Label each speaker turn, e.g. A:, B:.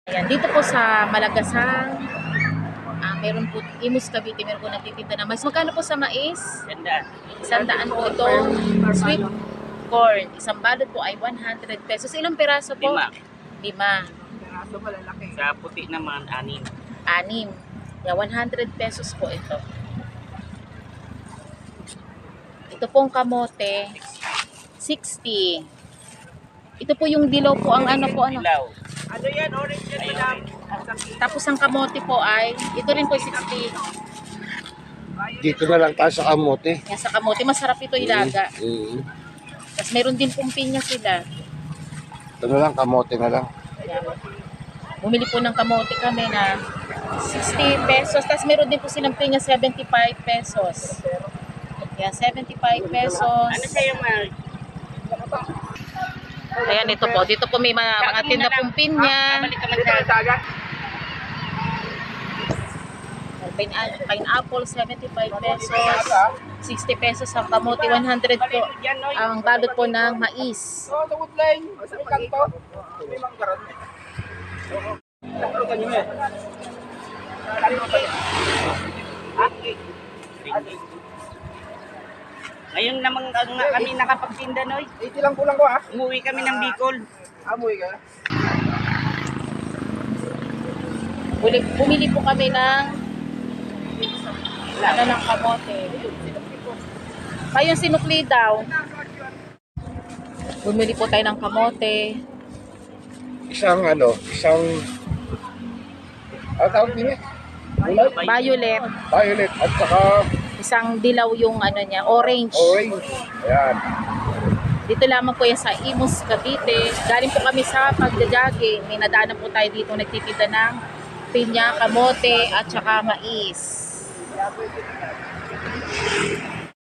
A: Ayan, dito po sa Malagasang, meron po, Imus Cavite, meron po nagtitinda na mais. Magkano po sa mais? 100 po itong sweet corn. Isang balot po ay 100 pesos. Ilang piraso po? 5.
B: Piraso malalaki.
C: Sa puti naman, 6.
A: 6. Yeah, 100 pesos po ito. Ito pong kamote, 60. Ito po yung dilaw po, ang ano po, ano.
C: Dilaw.
B: Ano yan? Orange yan, madam.
A: Tapos ang kamote po ay, ito rin po 60.
D: Dito na lang tayo sa kamote.
A: Yan sa kamote, masarap ito ilaga. Tapos meron din pong pinya sila.
D: Ito na lang, kamote na lang.
A: Ayan. Bumili po ng kamote kami na 60 pesos. Tapos meron din po silang pinya 75 pesos. Yan, 75 pesos.
C: Ano sa'yo, Mark?
A: Ayan, ito po. Dito po may mga tinda pong pinya.
C: Balik ka man
B: Dito
C: sa
B: ang dagat.
A: Pineapple, 75 pesos. 60 pesos ang kamote, 100 po. Ang balot po ng mais.
B: Oo, sa woodline. Sa kanto. May manggaran. Ano kanyo eh?
C: Ngayon namang kami nakapagtinda, Noy.
B: 80 lang kulang ko ha.
C: Umuwi kami ng Bicol.
B: Amoy ka.
A: Bumili po kami ng ng kamote. Ayun, sinukli daw. Bumili po tayo ng kamote.
D: Isang tawag din eh?
A: Violet.
D: Violet at saka
A: Isang dilaw yung ano niya, orange.
D: orange. Ayan.
A: Dito lamang po yan sa Imus, Cavite. Galing po kami sa pagja-jogging. May nadaanan po tayo dito nagtitinda ng pinya, kamote at saka mais.